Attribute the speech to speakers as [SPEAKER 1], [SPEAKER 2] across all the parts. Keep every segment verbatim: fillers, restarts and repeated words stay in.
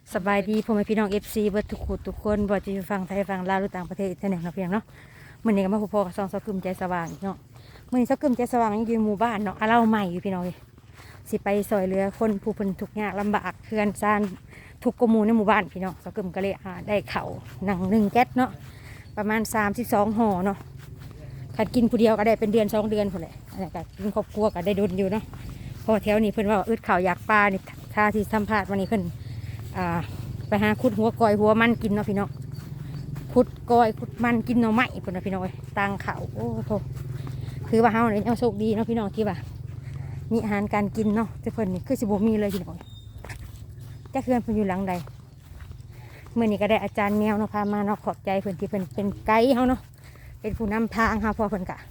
[SPEAKER 1] สบายดีพ่อแม่พี่น้องเอฟซีเบิร์ทุกคนทุกคนบ่จะอยู่ฝั่งไทยฝั่งลาวหรือต่างประเทศที่ไหนเนาะเพียงเนาะมื้อนี้ก็มาพบพ่อกับซองสกึมใจสว่างอีกเนาะมื้อนี้สกึมใจสว่างยังอยู่หมู่บ้านเนาะอาเล่าใหม่อยู่พี่น้องเอ้ยสิไปซอยเรือคนผู้เพิ่นทุกข์ยากลำบากเขื่อนซ่านทุกกหมู่ในหมู่บ้านพี่น้องสกึมก็เลยอ่าได้ข้าวหนังหนึ่งแก๊สเนาะประมาณสามสิบสองห่อเนาะคันกินผู้เดียวก็ได้เป็นเดือนสองเดือนพุ่นแหละอันนี้ก็กินครอบครัวก็ได้ดุลอยู่เนาะเพราะแถวนี้เพิ่นว่าอึดข้าวอยากปลานี่ท่าที่สัมภาษณ์วันนี้เพิ่นอ่าไปหาขุดหัวกอยหัวมันกินเนาะพี่น้องขุดกอยขุดมันกินเนาะไม้พุ่นเนาะพี่น้องเอ้ยตังเขาโอ้โหคือว่าเฮาเนี่ยเอาโชคดีเนาะพี่น้องที่ว่ามีอาหารการกินเนาะแต่เพิ่นนี่คือสิบ่มีเลยพี่น้องจะเคื่อนเพิ่นอยู่หลังใดเมื่อนี้ก็ได้อาจารย์แมวเนาะพามาเนาะขอบใจเพิ่นที่เพิ่นเป็นไกด์เฮาเนาะเป็นผู้นำทางเฮาพอเพิ่นกะ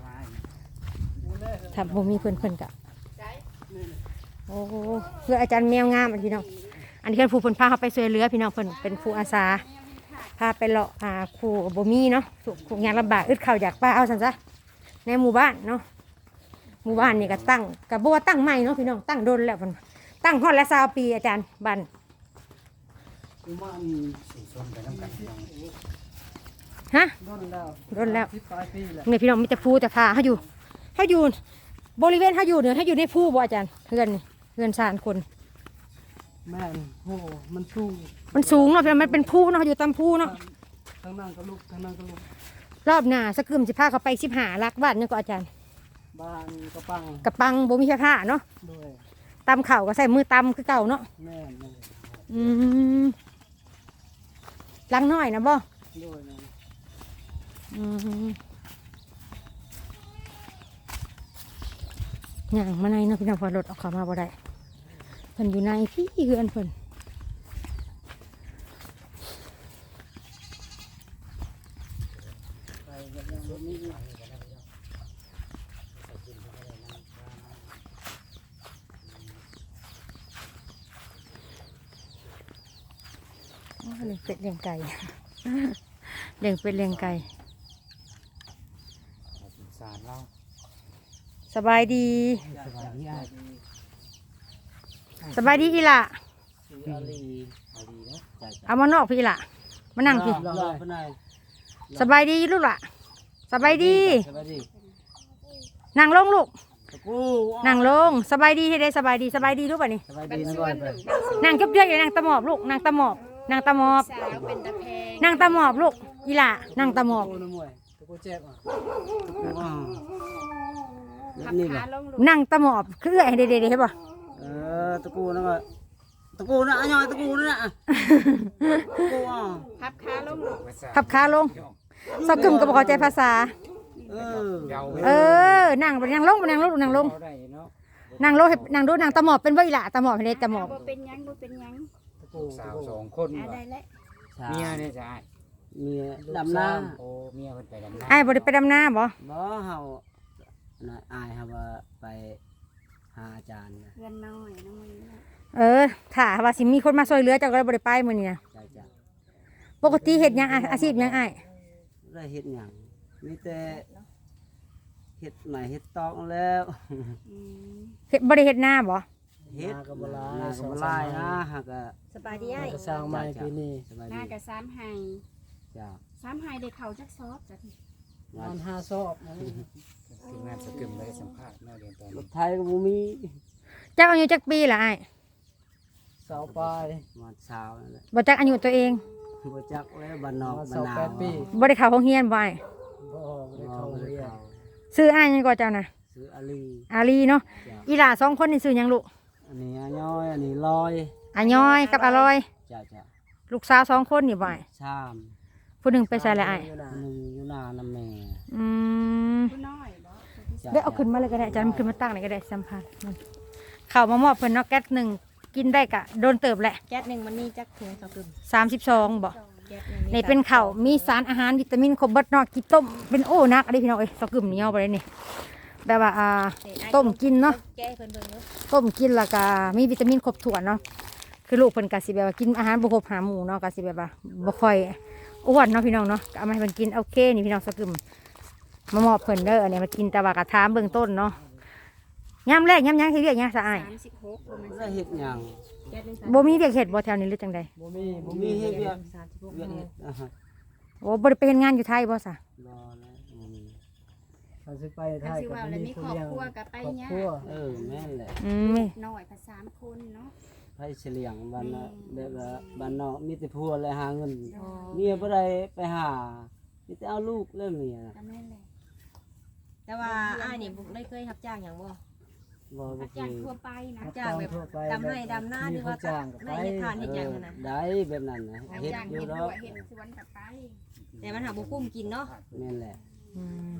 [SPEAKER 1] ถ้าบ่มีเพิ่นเพิ่นกะโอ้เพื่ออาจารย์แมวงามอันพี่น้องอันนี้คือผู้เพิ่นพาเขาไปช่วยเหลือพี่น้องเพิ่นเป็นผู้อาสาพาไปเลาะอ่าผู้บ่มีเนาะผู้ยากลำบากอึดข้าวอยากปลาเอาซั่นซะในหมู่บ้านเนาะหมู่บ้านนี่ก็ตั้งก็บ่ว่าตั้งใหม่เนาะพี่น้องตั้งโดนแล้วเพิ่นตั้งฮอดละยี่สิบปีอาจารย์บ้าน
[SPEAKER 2] หมู่บ้านสี่ชนไปน้ำกันพี่น้อง
[SPEAKER 1] ฮะ
[SPEAKER 2] โดนแล้ว
[SPEAKER 1] โดนแล้ว
[SPEAKER 2] สิบปลายปีแล้ว
[SPEAKER 1] นี่พี่น้องมีแต่ภูแต่ผาเฮาอยู่เฮาอยู่บริเวณเฮาอยู่เนี่ยเฮาอยู่ในภูบ่อาจารย์เฮือนนี่เฮือนซ่านคน
[SPEAKER 2] แม่นโหมันสูง
[SPEAKER 1] มันสูงเนาะพี่น้องมันเป็นภูเนาะอยู่ตามภูเนาะ
[SPEAKER 2] ทางนั้นก็ลุกทางนั้นก็ลุก
[SPEAKER 1] รอบหน้าสักกึมสิพาเขาไปสิบห้าลักบ้านนี่ก็อาจารย์
[SPEAKER 2] บ้านกระปัง
[SPEAKER 1] กระปังบ่มีผ้าเนาะ
[SPEAKER 2] ด้วย
[SPEAKER 1] ตำเข่าก็ใส่มือตำคือเก่าเนาะ
[SPEAKER 2] แม่นเลย
[SPEAKER 1] อืมลังน้อยนะบ่
[SPEAKER 2] ด้วยนะ
[SPEAKER 1] อืมย่างมาในเนาะพี่น้องพอรถออกเข้ามาบ่ได้เพิ่นอยู่ในพี่เฮือนเพิ่นโอ้เลี้ยงเป็ดเลี้ยงไก่เลี้ยงเป็ดเลี้ยงไก่
[SPEAKER 2] สงสารเรา
[SPEAKER 1] สบายดี
[SPEAKER 2] สบายดีอ่ะ
[SPEAKER 1] สบายดีอีหล่ะ
[SPEAKER 2] อาลีอาลีนะใจ
[SPEAKER 1] เอามานอกพี่อีหล่ะมานั่งพี่
[SPEAKER 2] รอดไปไหน
[SPEAKER 1] สบายดีลูกล่ะสบายดี
[SPEAKER 2] สบายดี
[SPEAKER 1] นั่งลงลูก
[SPEAKER 2] ตะกู
[SPEAKER 1] นั่งลงสบายดีให้ได้สบายดีสบายดีรู้ป่ะนี่
[SPEAKER 2] สบายดีนะก่อนไป
[SPEAKER 1] นั่งเจ้าๆอย่านั่งตะหมอบลูกนั่งตะหมอบนั่งตะหมอบ
[SPEAKER 3] สาวเป็นตะแพง
[SPEAKER 1] นั่งตะหมอบลูกอีหล่ะนั่งตะหมอบ
[SPEAKER 2] ตะกูนะมวยตะกูเจ็บอ่ะตะกูอ่ะ
[SPEAKER 3] ขับ
[SPEAKER 2] นี่
[SPEAKER 3] ขา
[SPEAKER 2] ป่ะ
[SPEAKER 3] ลงลูก
[SPEAKER 1] นั่งตะหมอบคือเอื้อยให้เด็ดๆเห็นป่ะ
[SPEAKER 2] เออตะกูนะก็ตะกูนะอ่ะยอยตะกูนะอ่ะตะกูอ่ะ
[SPEAKER 3] ขับขาลงลูก
[SPEAKER 1] ขับขาลงสกึมก็บอกเข้าใจภาษา
[SPEAKER 2] เออ
[SPEAKER 1] เออนั่งไปนั่งลงไปนั่งลงนั่งลงนั่งลงให้นั่งดูนั่งตะหมอบเป็นบ่อีหล่ะตะหมอบให้ได้ตะหมอบ
[SPEAKER 3] บ่เป็นหยังบ่เป็นหยัง
[SPEAKER 2] ตะกู
[SPEAKER 4] สาวสองคน
[SPEAKER 3] อ่า
[SPEAKER 4] ว่ะ
[SPEAKER 3] ได้แล้ว
[SPEAKER 4] เมียเนี่ยจะอ้าย
[SPEAKER 2] เมียดำน้
[SPEAKER 4] โอ้เมียเพิ่นไปดำน้
[SPEAKER 1] ไอ้ายบ่ได้ไปดำนาบ่
[SPEAKER 2] ำบ่เฮาน่ะอายเฮาว่าไปหาอาจารย์นะ
[SPEAKER 3] เพื่อนน้อยน้อยนะ
[SPEAKER 1] เออถ้าว่าสิมีคนมาช่วยเหลือเจ้าก็เลยบ่ได้ไปมื้อนี้นะ
[SPEAKER 2] จ้าจ้า
[SPEAKER 1] ปกติเฮ็ดหยังอะอาชีพหยังอ้าย
[SPEAKER 2] ได้เฮ็ดหยังมีแต่เฮ็ดใหม่เฮ็ดตอกแล้ว
[SPEAKER 3] อืม
[SPEAKER 1] เฮ็ดบ่ได้เฮ็ดนาบ่
[SPEAKER 2] เฮ็ดก็บ่ลายก็บ่ลายนะหากก็
[SPEAKER 3] สบายดีไอ้
[SPEAKER 2] สร้างใหม่ปีนี้สบาย
[SPEAKER 3] หน้า
[SPEAKER 2] ดี
[SPEAKER 3] กับสามไห้
[SPEAKER 2] จ้า
[SPEAKER 3] สามไห้ได้เข้าจักซอบจัก
[SPEAKER 2] วันห้าซอบ
[SPEAKER 4] ำทีมงานสกึมได้สัมภาษณ์เมื่อเดือนตอน
[SPEAKER 2] ร
[SPEAKER 4] นี้
[SPEAKER 2] ถไทยก็บ่มี
[SPEAKER 1] เจ้าอายุจักปีล่ะอ้าย
[SPEAKER 2] เสาปลายวันเช้านั่นแหละ
[SPEAKER 1] บ่จักอายุตัวเอง
[SPEAKER 2] บ่จักแล้วบ้านนอกบ้านนา
[SPEAKER 1] บ่ได้เข้าโรงเรียนบ่อ้าย
[SPEAKER 2] บ่ได้เข้าเรียน
[SPEAKER 1] ซื้ออ้ายหยังก่อนเจ้านะ
[SPEAKER 2] ซื้ออาลี
[SPEAKER 1] อาลีเนาะ
[SPEAKER 2] จ้า
[SPEAKER 1] อีหล่าสองคนนี่ซื้อหยังลูก
[SPEAKER 2] อันนี้อาย้อยอันนี้ลอย
[SPEAKER 1] อาย้อยกับอร่อย
[SPEAKER 2] จ้าจ้า
[SPEAKER 1] ลูกสาวสองคนนี่บ่อ้าย
[SPEAKER 2] ชาม
[SPEAKER 1] ผู้หนึงไปใส่ละอ้าย
[SPEAKER 2] หนึ่งอยู่นานำแม่
[SPEAKER 1] อืม
[SPEAKER 3] ผู้น้อยบ่
[SPEAKER 2] จ้ะ
[SPEAKER 1] ได้เอาขึ้นมาเลยก็ได้อาจารย์มันขึ้นมาตั้งเลยก็ได้สัมภาษณ์มันเข้ามามอบเพิ่นเนาะแก๊สหนึ่งกินได้กะโดนเติบแหละ
[SPEAKER 3] แก๊สหนึ่งมันนี่จักถุงสกึม
[SPEAKER 1] สามสิบสองบ่
[SPEAKER 3] แก๊สหนึ่ง
[SPEAKER 1] ในเป็นข้าวมีสารอาหารวิตามินครบเบิดเนาะกินต้มเป็นโอ้นักอะไรพี่น้องเอ้ยสกึมเหนียวไปเลยนี่แบบว่าอ่าต้มกินเนาะ
[SPEAKER 3] แก้เพิ่นเบิ่งเนาะ
[SPEAKER 1] ต้มกินแล้วก็มีวิตามินครบถ้วนเนาะคือลูกเพิ่นก็สิแบบว่ากินอาหารบ่ครบห้าหมู่เนาะก็สิแบบว่าบ่ค่อยอ้วนเนาะพี่น้องเนาะก็เอามาให้เพิ่นกินโอเคนี่พี่น้องสกึมมามอบเพิ่นเด้ออันนี้มากินแต่ว่าก็ถามเบื้องต้นเนาะยามแรกยามหยังสิเรียกหยังซะอ้าย
[SPEAKER 3] สามสิบหกประมาณ
[SPEAKER 2] ได้เฮ็ดหยัง
[SPEAKER 3] แก๊สหนึ่งสาม
[SPEAKER 1] บ่มีเวียกเฮ็ดบ่แถวนี้หรือจังใด
[SPEAKER 2] บ่มีบ่มีเฮ็ดเวียก
[SPEAKER 3] สามสิบหก
[SPEAKER 2] เวียกเฮ็ดอ่าฮะ
[SPEAKER 1] โอ้บ่ได้ไปเฮ็ดงานอยู่ไทยบ่ซะ
[SPEAKER 2] บ่แล้วบ่มี
[SPEAKER 5] เขาสิไป
[SPEAKER 3] คั
[SPEAKER 5] ไท
[SPEAKER 3] น
[SPEAKER 5] ย
[SPEAKER 3] สิ
[SPEAKER 5] ก็
[SPEAKER 3] ว่าแล้วมี
[SPEAKER 5] มี
[SPEAKER 3] ค
[SPEAKER 5] ผู้
[SPEAKER 3] รอบ
[SPEAKER 5] เลี้ยง
[SPEAKER 3] ครัวกับไป
[SPEAKER 5] ครอบ
[SPEAKER 3] ยา
[SPEAKER 5] ครัว
[SPEAKER 2] เออแม่นแหละ
[SPEAKER 1] อืม
[SPEAKER 3] น้อยภาษามคนเนาะ
[SPEAKER 2] ไผเฉลียงบ้านน่ะแบบว่าบ้านนอกมีแต่ผัวและหาเงิน
[SPEAKER 3] อ๋อ
[SPEAKER 2] เมียบ่ได้ไปหามีแต่เอาลูกแล้วเมียน่ะ
[SPEAKER 3] ก็แม่นแหละ
[SPEAKER 6] แต่ว่าอ้ายนี่บ่ได้เคยรับจ้างอย่างบ่
[SPEAKER 2] บ่บ่
[SPEAKER 3] อา
[SPEAKER 2] เค
[SPEAKER 3] จาร
[SPEAKER 2] ย
[SPEAKER 3] ย์ทั่วไปนะ
[SPEAKER 6] รับจ้างแบบ
[SPEAKER 5] ทั่วไป
[SPEAKER 6] ดำไร่ดำนาหรือว่า
[SPEAKER 5] มีผู้จ้างก็ไป
[SPEAKER 6] ไม่เฮ็ดทานเฮ็ดหยัง
[SPEAKER 2] เออ
[SPEAKER 6] นั่นน่ะ
[SPEAKER 2] ได้แบบนั้นนะ
[SPEAKER 3] อา
[SPEAKER 2] เฮ็ด
[SPEAKER 3] จารย์
[SPEAKER 2] อยู่
[SPEAKER 3] เห็น
[SPEAKER 2] ด
[SPEAKER 3] ด้
[SPEAKER 2] อ
[SPEAKER 3] ว
[SPEAKER 2] ก
[SPEAKER 3] ยเห็นสวนกับไป
[SPEAKER 6] แต่มันหาบ่กุ้มกินเนาะ
[SPEAKER 2] แม่นแหละ
[SPEAKER 1] อืม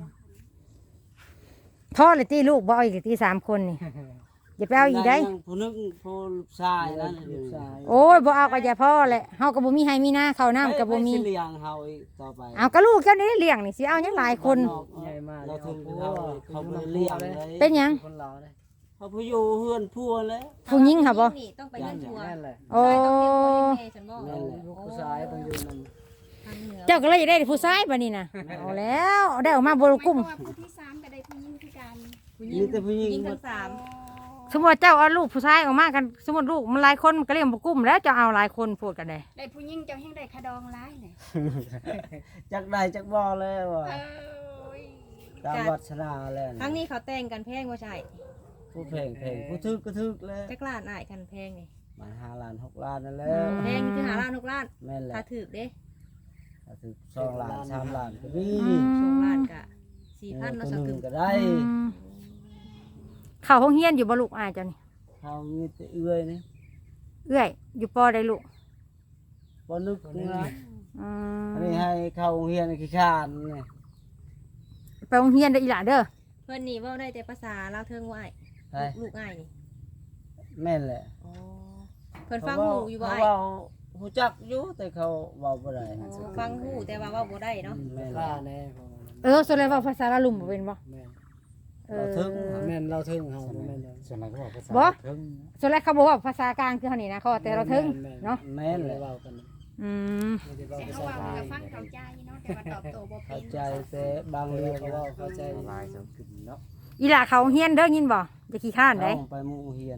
[SPEAKER 1] พ่อเลยตีลูกบ่เอาอีกตีสามคนนี่อย่าไปเอาอีกได้
[SPEAKER 2] ยังผู้หนึงผู้ลูกชายนั่น
[SPEAKER 5] ลูกชาย
[SPEAKER 1] โอ้ยบ่เอาก็อย่าพ่อแหละเฮาก็บ่มีให้มีหน้าข้าวน้ำก็บ่มี
[SPEAKER 2] ไปสิเลี้ยงเฮาอีกต่อไป
[SPEAKER 1] เอาก็ลูกเจ้านี่ได้เลี้ยงนี่สิเอาหยังหลายคน
[SPEAKER 5] ใหญ่มาก
[SPEAKER 2] เราถึง
[SPEAKER 5] เอา
[SPEAKER 2] เขา
[SPEAKER 5] ผัว
[SPEAKER 2] เขาบ่ได้เลี้ยงเลย
[SPEAKER 1] เป็นหยัง
[SPEAKER 5] คนลาวเลย
[SPEAKER 2] เขาผู้อยู่เฮือนพัวเลย
[SPEAKER 1] ผู้หญิงค่ะบ่
[SPEAKER 6] นี่ต้องไปเงินทัวร์
[SPEAKER 5] นั่นแหละ
[SPEAKER 1] โอ้
[SPEAKER 6] ใช่ต้องเลี้ยงพ่อเลี้ยงแม่ฉันบ่
[SPEAKER 2] แม่นแหละ
[SPEAKER 5] ลูกผู้ชายต้องอยู่นำ
[SPEAKER 6] ทางเหนือ
[SPEAKER 1] เจ้าก็เลยได้ผู้ชายบัดนี้น่ะเอาแล้วได้ออกมาบ่รู้กุ้ม
[SPEAKER 3] เพราะว่าผู้ที่สามก็ได้ผู้หญิงคือกัน
[SPEAKER 6] ผู้หญิ
[SPEAKER 2] มี
[SPEAKER 6] ง
[SPEAKER 2] แต่ผู้หญิง
[SPEAKER 6] ผู้หญิง
[SPEAKER 2] หม
[SPEAKER 6] ทั้
[SPEAKER 2] ด
[SPEAKER 6] งสาม
[SPEAKER 1] สมมุติว่าเจ้าเอาลูกผู้ชายออกมากันสมมุติลูกมันหลายคนมันก็เลี้ยงบ่กุ้มแล้วเจ้าเอาหลายคนพูดกันได้
[SPEAKER 3] ได้ผู้หญิงเจ้าแห่งได้คาดองร้ายเลย
[SPEAKER 2] จักได้จักบ่เลยว่า
[SPEAKER 3] เอ้ย
[SPEAKER 2] ตามวัฒนาแล้ว
[SPEAKER 6] ครั้งนี้เขาแต่งกันแพงบ่ใช่
[SPEAKER 2] ผู้เพลงเพลงผู้ทึกก็ทึกแล้ว
[SPEAKER 6] จักล้านอ้ายกันแพงนี่
[SPEAKER 2] มาห้าล้านหกล้านนั่นแหละ
[SPEAKER 6] แพงคือหาล้านหกล้าน
[SPEAKER 2] แม่นแหละ
[SPEAKER 6] ถ้าถูกเด้
[SPEAKER 2] ถ้าถึกสองล้านสามล้านก็มี
[SPEAKER 6] สองล้านก็สี่พัน
[SPEAKER 2] ตั
[SPEAKER 6] เนาะ
[SPEAKER 2] ว
[SPEAKER 6] สัก
[SPEAKER 2] ห
[SPEAKER 6] กึ
[SPEAKER 2] นึ่
[SPEAKER 6] ม
[SPEAKER 2] งก็ได้
[SPEAKER 1] อืมเข้าห้องเรียนอยู่บ่ลูกอ้ายเจ้านี่
[SPEAKER 2] เขามีแต่เอื้อยนี่
[SPEAKER 1] เอื้อยอยู่ปอได้ลูก
[SPEAKER 2] บ่นึกนะ
[SPEAKER 1] อื
[SPEAKER 2] อัน
[SPEAKER 1] ม
[SPEAKER 2] นี้ให้เข้าโรงเรียนขี้ข้านนี่
[SPEAKER 1] ไปโรงเรียนเด้ออีหล่าเด้อ
[SPEAKER 6] เพิ่นนี่เว้าได้แต่ภาษาลาวเทิงว่าอ้าย
[SPEAKER 2] ใช่
[SPEAKER 6] ลูกอ้ายนี่
[SPEAKER 2] แม่นแหละ
[SPEAKER 6] อ๋อเพิ่นฟังหูอยู่บ่
[SPEAKER 2] เขา
[SPEAKER 6] อ้าย
[SPEAKER 2] เว้าฮู้จักอยู่แต่เขาเว้าบ่ได้
[SPEAKER 6] อ๋อฟังหูแต่ว่าเว้าบ่ได้เนาะ
[SPEAKER 2] แม่นแห
[SPEAKER 5] ค่า
[SPEAKER 2] ละ
[SPEAKER 5] แน่ของมัน
[SPEAKER 1] เออส่วนใหญ่เว้าภาษาลาวลุ่มบ่เป็นบ่
[SPEAKER 5] แม่น
[SPEAKER 1] เอ
[SPEAKER 2] เรา
[SPEAKER 1] อ
[SPEAKER 2] ถึง
[SPEAKER 5] แม่นเราถึงเฮาบ่แม่นเลย
[SPEAKER 4] ส่วนไหนเขาบอกภาษา
[SPEAKER 1] บ่
[SPEAKER 4] เพิ่ง
[SPEAKER 1] ส่วนแรกเขาบอกว่าภาษากลางคือเท่านี้นะเขาว่าแต่เราถึงเนาะ
[SPEAKER 2] แม่นแหละ
[SPEAKER 5] เว้ากัน
[SPEAKER 1] อืม
[SPEAKER 5] ไม่ได้เว้า
[SPEAKER 3] แต่
[SPEAKER 5] ภา
[SPEAKER 3] เขา
[SPEAKER 5] ษา
[SPEAKER 3] ว่า
[SPEAKER 5] ไท
[SPEAKER 3] มัน
[SPEAKER 5] ย
[SPEAKER 3] ก็ฟังเข้าใจเนาะแต่ว่าตอบโต้บ่เป็
[SPEAKER 2] เข้าน ใจแต่บาง
[SPEAKER 5] เรี
[SPEAKER 2] เรื่
[SPEAKER 5] ย
[SPEAKER 2] อก ง
[SPEAKER 5] เขาเว้าเข้าใจ
[SPEAKER 4] ลายสองกึ่งเนาะ
[SPEAKER 1] อีหล่าเขาเฮียนเด้อยินบ่จะขี้ข้านได้
[SPEAKER 2] เอาไปหมู่เฮียน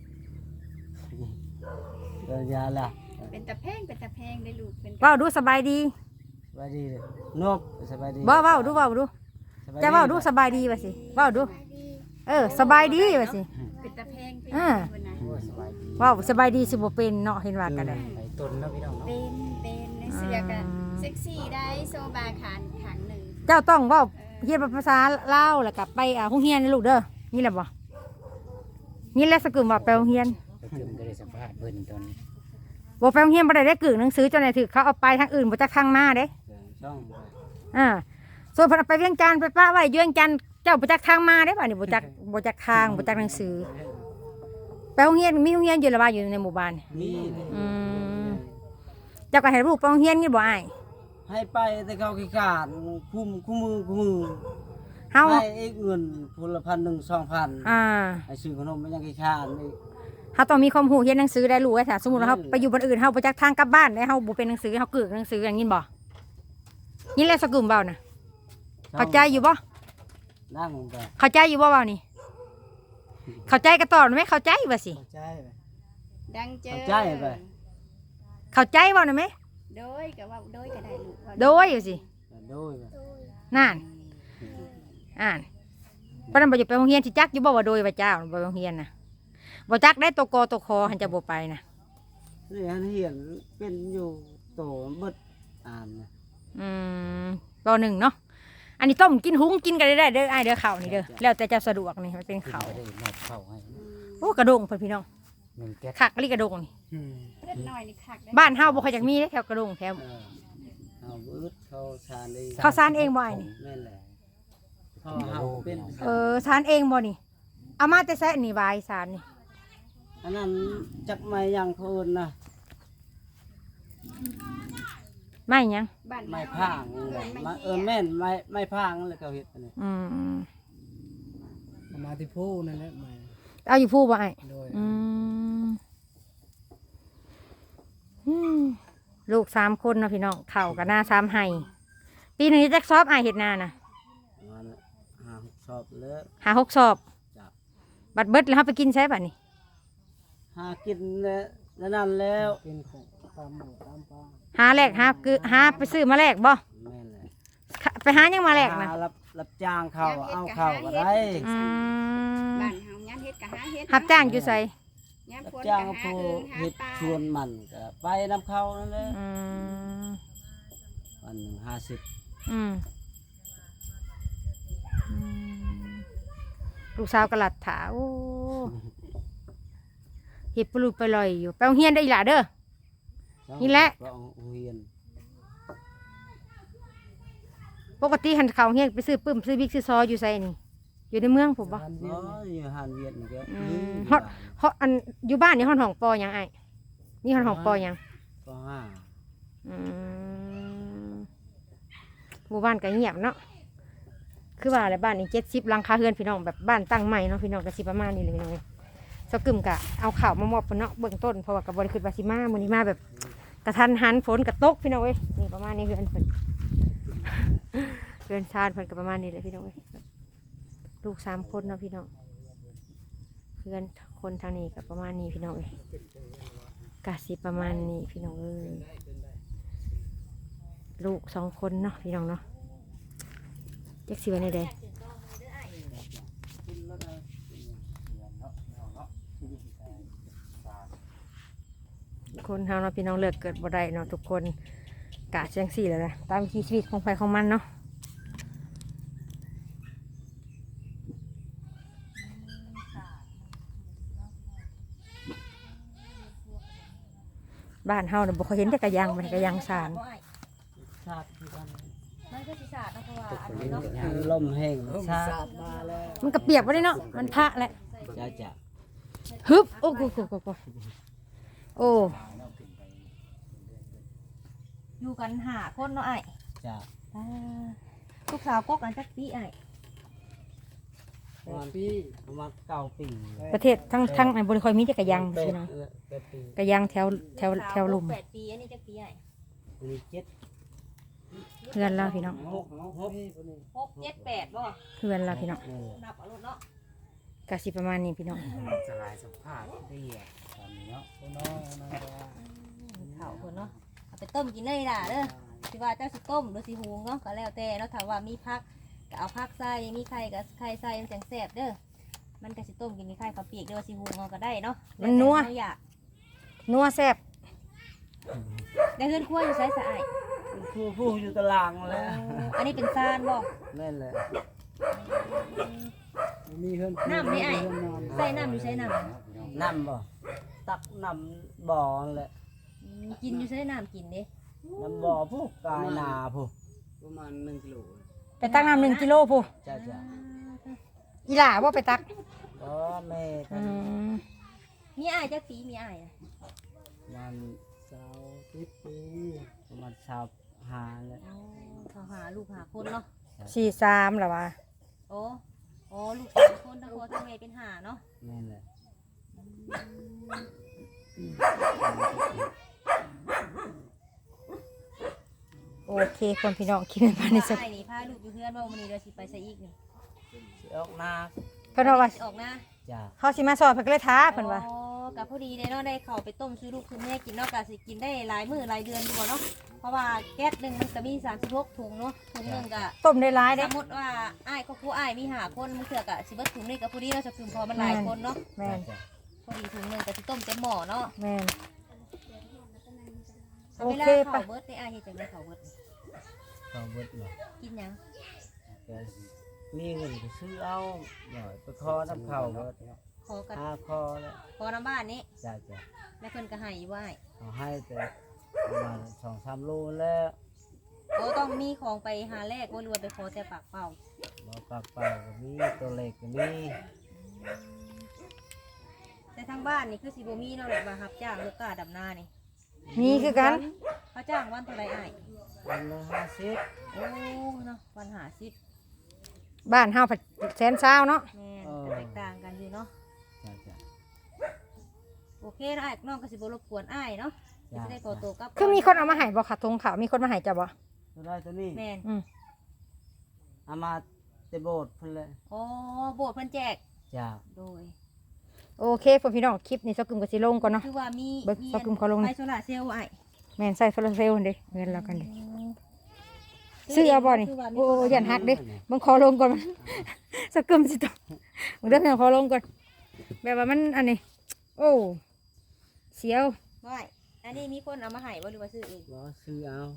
[SPEAKER 2] เดินยาล่ะ
[SPEAKER 3] เป็นตะแพงเป็นตะแพงได้ลูกเป็น
[SPEAKER 1] เว้าดูสบายดี
[SPEAKER 2] สบายดีเลยนบสบายดี
[SPEAKER 1] บ่เว้าดูเว้าดู
[SPEAKER 2] สบย
[SPEAKER 1] จะเว้าดูสบายดีว่าสิเว้าดู เออสบายดีว่าสิ
[SPEAKER 3] เป็นตะแพงเป็น
[SPEAKER 1] อ่า
[SPEAKER 3] คนนะ
[SPEAKER 4] โอ้ยสบายดี
[SPEAKER 1] เว้าสบายดีสิบ่เป็นเนาะเห็นว่ากันได้
[SPEAKER 4] ไปต้นเนาะพี่น้องเนาะ
[SPEAKER 3] เป็นเป็นในเสื้อกันเซ็กซี่ได้โซบาขานขังหนึ่ง
[SPEAKER 1] เจ้าต้องเว้าเฮียนภาษาลาวแล้วก็ไปอ่าโรงเรียนนะลูกเด้อนี่แหละบ่นี่แหละสกึมว่าไปโรงเรียน
[SPEAKER 4] ก็คือไม่ได้สัมภาษณ์เพิ่นตอนนี้
[SPEAKER 1] บ่ไปโรงเรียนบ่ได้ได้กึ่งหนังสือเจ้าไหนถือเขาเอาไปทางอื่นบ่จักทางมาเด้
[SPEAKER 2] ช่อง
[SPEAKER 1] อ่าส่วนเพิ่นเอาไปเวียงจันทน์ไปป้าไว้อยู่เวียงจันทน์เจ้าบ่จักทางมาเด้บ่นี่บ่จักบ่จักทางบ่จักหนังสือไปโรงเรียนมีโรงเรียนอยู่ละว่าอยู่ในหมู่บ้านนี่
[SPEAKER 2] มี
[SPEAKER 1] อืมเจ้าก็ให้ลูกไปโรงเรียนนี่บ่อ้าย
[SPEAKER 2] ให้ไปแต่เขาขี้ขาดคุ้มคุ้มมือคุ้มมือ
[SPEAKER 1] เฮา
[SPEAKER 2] ให้เอกเงินพลพันหนึ่งสองพัน
[SPEAKER 1] อ่า
[SPEAKER 2] ให้ซื้อขนมมันยังขี้ขาดนี่
[SPEAKER 1] เฮาต้องมีความรู้เรียนหนังสือได้รู้ไว้ถ้าสมมุติว่าเฮาไปอยู่บ้านอื่นเฮาบ่จักทางกลับบ้านได้เฮาบ่เป็นหนังสือเฮากึกหนังสืออย่างนี้บ่นี่แหละสกึมเว้าน่ะเข้าใจอยู่บ่
[SPEAKER 2] นั่งลงไป
[SPEAKER 1] เข้าใจอยู่บ่เว้านี่เข้าใจก็ตอบไหมเข้าใจว่าสิ
[SPEAKER 5] เข้าใจไหม
[SPEAKER 3] ดังเจอ
[SPEAKER 1] เข้าใจเว้าน่ะแม่
[SPEAKER 3] โดยก็ว่าโดยก็ได้ลูกว่า
[SPEAKER 1] โดยอยู่สิ
[SPEAKER 2] โดย
[SPEAKER 1] นั่นอ่านเพราะนั้นบ่จะไปโรงเรียนสิจักอยู่บ่ว่าโดยว่าเจ้าบ่ไปโรงเรียนน่ะบ่จักได้ตัวกอตัวคอหันจะบ่ไปน่ะ
[SPEAKER 2] นี่อันเห็นเป็นอยู่โตเบิดอ่านนะ
[SPEAKER 1] อืมปหนึ่งเนาะอันนี้ต้มกินหุงกินกันได้เด้ออ้ายเด้อข้าวนี่เด้อแล้วแต่เจ้าสะดวกนี่มันเป็นข้าว
[SPEAKER 4] ไม่ได้มอบเข้าให้
[SPEAKER 1] โอ้กระดงเพิ่นพี่น้อง
[SPEAKER 4] หนึ่งแก๊ส
[SPEAKER 1] คักลิกระดงนี่
[SPEAKER 5] อืม
[SPEAKER 3] เล็กน้อยนี่คักได้
[SPEAKER 1] บ้านเฮาบ่ค่อยจักมีเด้อแถวกระดงแถว
[SPEAKER 2] เออเอาอึดเขาชานเอง
[SPEAKER 1] ข้าวสารเองบ่อ้ายนี่
[SPEAKER 2] แม่นแหละเขาเฮาเป็น
[SPEAKER 1] เออสารเองบ่นี่เอามาแต่แซะนี่วายสารนี่
[SPEAKER 2] อันนั้นจักไม่ยังเพิ่นนะ
[SPEAKER 1] ไม่หยัง
[SPEAKER 3] บ้าน
[SPEAKER 2] ไม้
[SPEAKER 3] เฮ
[SPEAKER 2] พางนี่แหละ
[SPEAKER 3] เอิ้น
[SPEAKER 2] มา
[SPEAKER 3] ไม้
[SPEAKER 2] เออ
[SPEAKER 3] เหี้ย
[SPEAKER 2] แม่นไม้ไม้พางนั่นแหละเขาเฮ็ดอันนี้
[SPEAKER 1] อืม
[SPEAKER 5] เอามาที่ผู้นั่นแหละมา
[SPEAKER 1] เอาอยู่ผู้บ่อ้าย
[SPEAKER 5] โดย
[SPEAKER 1] อืมอืมลูกสามคนเนาะพี่น้องเข่ากับหน้าสามไห้ปีหนึงจักซอบอ้ายเฮ็ดนาน่ะ
[SPEAKER 2] มันหาชอบแล้ว
[SPEAKER 1] หาหกสอบ
[SPEAKER 2] จ้ะ
[SPEAKER 1] บัดเบิดแล้วเฮาไปกินใช้บัดนี้
[SPEAKER 2] หากินแล้วแล้วนั่นแล้ว
[SPEAKER 5] กินของตามหมูตามปลา
[SPEAKER 1] หาแลกหาคือหาไปซื้อมาแลกบ่
[SPEAKER 2] แม่นแหละ
[SPEAKER 1] ไปหายังมาแลกนะ
[SPEAKER 2] หารับรับจ้างเขาเอาเขาก็ได้
[SPEAKER 1] อืม
[SPEAKER 3] บ้านเฮายามเฮ็ดก็หาเฮ็ด
[SPEAKER 1] รับจ้างอยู่ไส
[SPEAKER 3] ยาม
[SPEAKER 2] รับ
[SPEAKER 3] ฝน
[SPEAKER 2] จ้าง
[SPEAKER 3] ก็
[SPEAKER 2] ผู้
[SPEAKER 3] หาเอิงหา
[SPEAKER 2] เฮ็ด
[SPEAKER 3] ปลา
[SPEAKER 2] ชวนมันก็ไปนำเขานั่นแหละ
[SPEAKER 1] อืม
[SPEAKER 2] วันหนึ่งห้าสิบ
[SPEAKER 1] อืมอืมลูกสาวกระหลัดถาโอ้เห็ดปลูกไปลอยอยู่ไปโรงเรียนได้อีหล่ะเด้อ นี่แหละ
[SPEAKER 2] ก็เอาเฮียน
[SPEAKER 1] ปกติหันเขาโรงเรียนไปซื้อปื้มซื้อบิ๊กซื้อซออยู่ไสนี่ อยู่ในเมืองผมบ่
[SPEAKER 5] อัน
[SPEAKER 2] อ๋
[SPEAKER 5] เวีย
[SPEAKER 2] อน อยู่หานเวียดนี่ก็
[SPEAKER 1] อื
[SPEAKER 2] มี
[SPEAKER 1] ม
[SPEAKER 2] อยู่
[SPEAKER 1] ฮอด
[SPEAKER 2] บ้าน
[SPEAKER 1] ฮอดอันอยู่บ้านนี่ห้องห้องปอหยังไอ้นี่ห้องห้องปอหยัง
[SPEAKER 2] ก็ห้า
[SPEAKER 1] อืมหมู่บ้านก็เงียบเนาะคือว่าอะไรบ้านนี้เจ็ดสิบหลังคาเรือนพี่น้องแบบบ้านตั้งใหม่เนาะพี่น้องก็สิประมาณนี้เลยพี่น้องเลยสกึมกะเอาข่าวมามอบเพิ่นเนาะเบื้องต้นเพราะว่ากับบริคือวาสิมามื้อนี้มาแบบกระทันหันฝนกระตกพี่น้องเว้ยนี่ประมาณนี้เรือนเพิ่น เรือนชาติเพิ่นก็ประมาณนี้เลยพี่น้องเว้ยลูกสามคนเนาะพี่น้องเพื่อนคนทางนี้ก็ประมาณนี้พี่น้องเว้ยกะสิประมาณนี้พี่น้องเอ้ยลูกสองคนเนาะพี่น้องเนาะจักสิไว้ในใดคนเฮาเนาะพี่น้องเลิกเกิดบ่ได้เนาะทุกคนกะจังสี่แหละนะตามวิถีชีวิตของใครของมันเนาะบ้านเฮาเนี่ยบ่เคยเห็นแต่กระยังมันกระยังสาร
[SPEAKER 2] ชาติที่บ้าน
[SPEAKER 6] มันก็สิสาดนะเพราะว่าอันนี้เนาะ
[SPEAKER 2] คือลมแห้ง
[SPEAKER 5] เพิ่ม
[SPEAKER 2] ชา
[SPEAKER 5] สา
[SPEAKER 2] ติ
[SPEAKER 5] ดมาแล้ว
[SPEAKER 1] มันกระเปียกบ่ได้เนาะมันพระแหละ
[SPEAKER 2] จะจะ
[SPEAKER 1] ฮึบโอ้โหโอ้โหโอ้โหโอ้
[SPEAKER 6] อยู่กันหาคนเนาะไอ้
[SPEAKER 2] จะ
[SPEAKER 6] อ่าลูกสาวกกอันจักปีไอ้
[SPEAKER 2] ประมาณประมาณเก้าปี
[SPEAKER 1] ประเทศทั้งทั้งอันบ่ได้ค่อยมีแต่กระยัง
[SPEAKER 2] แปด
[SPEAKER 1] พี่น้อง
[SPEAKER 2] เออแปดปี
[SPEAKER 1] กระยังแถวแถวแถวลุ่ม
[SPEAKER 6] แปดปีอันนี้จักปีไอ้
[SPEAKER 2] มีเจ็ด
[SPEAKER 1] เพื่อนเราพี่น้อง
[SPEAKER 2] หกหก
[SPEAKER 6] หกเจ็ดแปดบ่
[SPEAKER 1] เพื่อนเราพี่น้อง
[SPEAKER 2] นี่แหละ
[SPEAKER 6] นับเอารถเนาะ
[SPEAKER 1] กะสิประมาณนี้พี่น้อง
[SPEAKER 4] สลายสัมภาษณ์ได้เหรอตอนนี้เนาะ
[SPEAKER 5] น้องนั่นก็ว่า
[SPEAKER 6] ข้าวคนเนาะเอาไปต้มกินเลยล่ะเด้อสิว่าเจ้าสิต้มหรือสิหุงเนาะก็แล้วแต่เนาะถ้าว่ามีผักก็เอาผักใส่มีไข่ก็ไข่ใส่มันจังแซ่บเด้อมันก็สิต้มกินมีไข่ข้าวเปียกเด้อว่าสิหุงเอาก็ได้เนาะ
[SPEAKER 1] มันนัว
[SPEAKER 6] แล้วแต่เราอยาก
[SPEAKER 1] นัวแซ่บ
[SPEAKER 6] ได้เฮือนครัวอยู่ไสสะอ้าย
[SPEAKER 2] ผู้ผู้อยู่ตารางแล้ว
[SPEAKER 6] อันนี้เป็นซานบ่
[SPEAKER 2] นั่นแหละ
[SPEAKER 5] มีเพื่อน
[SPEAKER 6] น้ำนี่ไอ้
[SPEAKER 5] เพื่อนนอน
[SPEAKER 6] ใส่น้ำอยู่ใส่น้ำ
[SPEAKER 2] น้ำบ่ตักน้ำบ่อนั่นแหละ
[SPEAKER 6] อืมกินอยู่ใส่น้ำกินเด้
[SPEAKER 2] น้ำบ่อผู้กายนาผู้
[SPEAKER 5] ประมาณหนึ่งกิโล
[SPEAKER 1] ไปตักน้ำหนึ่งกิโลพู
[SPEAKER 2] จ้าจ้า
[SPEAKER 1] อีหล่าว่าไปตัก
[SPEAKER 2] ก็แม่
[SPEAKER 1] อืม
[SPEAKER 6] มีอ้ายจักปีมีอ้ายนะ
[SPEAKER 2] มัน
[SPEAKER 5] สาวสิบปี
[SPEAKER 2] ประมาณชาวหาเลย
[SPEAKER 6] อ๋อเขาหาลูกหาคนเนาะ
[SPEAKER 1] สี่สามเหรอวะ
[SPEAKER 6] โอ้โอ้ลูกสามคนทั้งพ่อทั้งแม่เป็นหาเนาะ
[SPEAKER 2] นั่นแหละ
[SPEAKER 1] โอเคคนพี่น้องคิดมาในสัก
[SPEAKER 6] อ้ายนี่พาลูกอยู่เพื่อนว่าวันนี้เราสิไปใส่อีกนี่
[SPEAKER 2] สิออกนา
[SPEAKER 1] เพิ่นว่าว่า
[SPEAKER 6] สิออกนะ
[SPEAKER 2] จ้า
[SPEAKER 1] เขาสิมาสอนเพิ่นก็เลยท้าเพิ่นว่า
[SPEAKER 6] อ๋อกับพอดีเลยเนาะได้เข้าไปต้มซื้อลูกซื้อแม่กินเนาะกะสิกินได้หลายมื้อหลายเดือนอยู่บ่เนาะเพราะว่าแก๊สหนึงมันก็มีสามสิบหกถุงเนาะถุงหนึงก็
[SPEAKER 1] ต้มได้ร้าย
[SPEAKER 6] ส
[SPEAKER 1] เด้
[SPEAKER 6] มมติว่าอ้ายก็ครูอ้ายมีหาคนมันเถื่อกะสิเบิดถุงนี่กับพอดีเราจะกึ่มพอมันหลายคนเนาะ
[SPEAKER 1] แม่น
[SPEAKER 2] จ้า
[SPEAKER 6] พอดีถุงหนึงก็สิต้มเต็มหม้อเนาะ
[SPEAKER 1] แม่น
[SPEAKER 6] เอาเวลา
[SPEAKER 1] โอเคปะ
[SPEAKER 6] เข้าเบิดได้อ้ายเฮ็ดจังได๋เข้าเบิด
[SPEAKER 2] ก็เบิดเลย
[SPEAKER 6] กินหยัง
[SPEAKER 2] ก็มีเงินก็ซื้อเอาหน่อยไปคอน้ำเข่าก็
[SPEAKER 6] ขอกัน
[SPEAKER 2] หาคอแล้ว
[SPEAKER 6] ขอน้ำบ้านนี้
[SPEAKER 2] จ้าจ้า
[SPEAKER 6] แล้วเพิ่นก็ให้อยู่ว่าอ้าย
[SPEAKER 2] เอาให้แต่ประมาณสองสามโลแล้ว
[SPEAKER 6] โอ้ต้องมีของไปหาแลกบ่รวยไปขอแต่ปากเปล่า
[SPEAKER 2] เราปากเปล่าก็มีตัวเล็กก็มี
[SPEAKER 6] แต่ทางบ้านนี่คือสิบ่มีเนาะแบบว่ารับจ้างลูกกาดำนานี่
[SPEAKER 1] มีคือกัน
[SPEAKER 6] เขาจ้างวันเท่าไหร่อ้าย
[SPEAKER 2] วันละห้าสิบ
[SPEAKER 6] โอ้เนาะวันหาสิบ
[SPEAKER 1] บ้านเฮาผัดแสนเช้าเนาะ
[SPEAKER 6] แม่นก็แตกต่างกันอยู่เนาะ
[SPEAKER 2] จ้าจ้า
[SPEAKER 6] โอเคนะอ้ายน้องก็สิบ่รบกวนอ้ายเนาะสิได้ขอตัวกลับ
[SPEAKER 1] คือมีคนเอามาให้บ่ค่ะทงขาวมีคนมาให้จ้ะบ่
[SPEAKER 2] ตัวได้ตัวนี้
[SPEAKER 6] แม่น
[SPEAKER 1] อืม
[SPEAKER 2] เอามาเตะโบดเพิ่นเลย
[SPEAKER 6] อ๋อโบสถ์เพิ่นแจก
[SPEAKER 2] จ้า
[SPEAKER 6] โดย
[SPEAKER 1] โอเคพ่อพี่น้องคลิปนี้เซากึมก็สิลงก่อนเนาะ
[SPEAKER 6] คือว่ามี
[SPEAKER 1] เบิก
[SPEAKER 6] มี
[SPEAKER 1] ซอกกึมเขาลง
[SPEAKER 6] ไฟ
[SPEAKER 1] นี่
[SPEAKER 6] โซล่าร์เซลล์ไอ้
[SPEAKER 1] แม่นใส่โซลาร์เซลล์เด้เงินเรากันเด้ซื้อเอาบ่นี่โอ้ยันหักเด้เบิ่งขอลงก่อนมัน เซากึมสิต้องเบิ่งเด้อพี่น้องขอลงก่อนแบบว่ามันอันนี้โอ้เสียว
[SPEAKER 6] บ่ไอ้อันนี้มีคนเอามาให้บ่หรือว่าซื้อเอง
[SPEAKER 2] บ่ซื้อเอา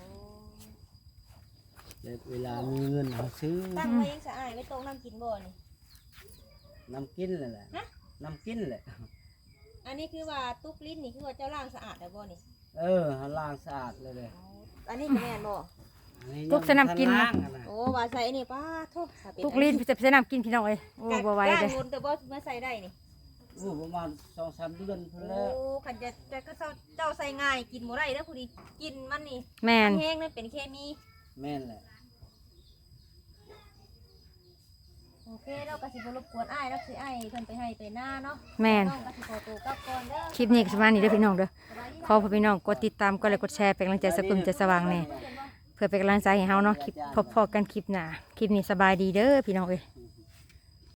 [SPEAKER 2] แล้วเวลามีเงินเอาซื้อ
[SPEAKER 6] ตั้งไว้ยังสะอาดไว้ตรงน้ำกินบ่นี่
[SPEAKER 2] น้ำกินเลยแหละน้ำกินแหละ
[SPEAKER 6] อันนี้คือว่าตุ๊กลิ้นนี่คือว่าเจ้าล่างสะอาดแล้วบ่นี่
[SPEAKER 2] เออเขาล้างสะอาดเลยเลย
[SPEAKER 6] อันนี้ก็แม่นบ่
[SPEAKER 2] อันนี้
[SPEAKER 1] ตุกสนามกิน
[SPEAKER 2] ล้า
[SPEAKER 1] นะ
[SPEAKER 2] งอะนะ
[SPEAKER 6] โอ้ว่าใส่นี่ป้าโทษถ้าเป็น
[SPEAKER 1] ทุกลิ้นจะไปใส่น้ำกินพี่น้องเอ้ยโอ้บ่ไหว
[SPEAKER 6] กล้า
[SPEAKER 1] เลย
[SPEAKER 6] งนแต่บ่มาใส่ได้นี่
[SPEAKER 2] โอ้ประมาณสองสามเดือนเพิ่น
[SPEAKER 6] โอ้
[SPEAKER 2] แล้ว
[SPEAKER 6] ขันจะจะก็เจ้าเจ้าใส่ง่ายกินบ่ได้เด้อผู้ดีกินมันนี่
[SPEAKER 1] แม่น
[SPEAKER 6] แห้งนั่นเป็นเคมี
[SPEAKER 2] แม่นแหละ
[SPEAKER 6] โอเคเราก็สิบ่รบกวนอ้ายแล้วสิอ้ายเพิ่นไปให้ไปหน้าเนาะ
[SPEAKER 1] แม่น
[SPEAKER 6] น้องก็สิขอตัวกลับก่อนเด้อ
[SPEAKER 1] คลิปนี้ก็ประมาณนี้เด้อพี่น้องเด้อ
[SPEAKER 6] สบายดี
[SPEAKER 1] ขอพ่อพี่น้องกดติดตามกดไลค์กดแชร์เป็นกำลังใจเซากึมใจสว่างแน่เพื่อเป็นกำลังใจให้เฮาเนาะคลิปพบพอกันคลิปหน้าคลิปนี้สบายดีเด้อพี่น้องเอ้ย
[SPEAKER 2] อื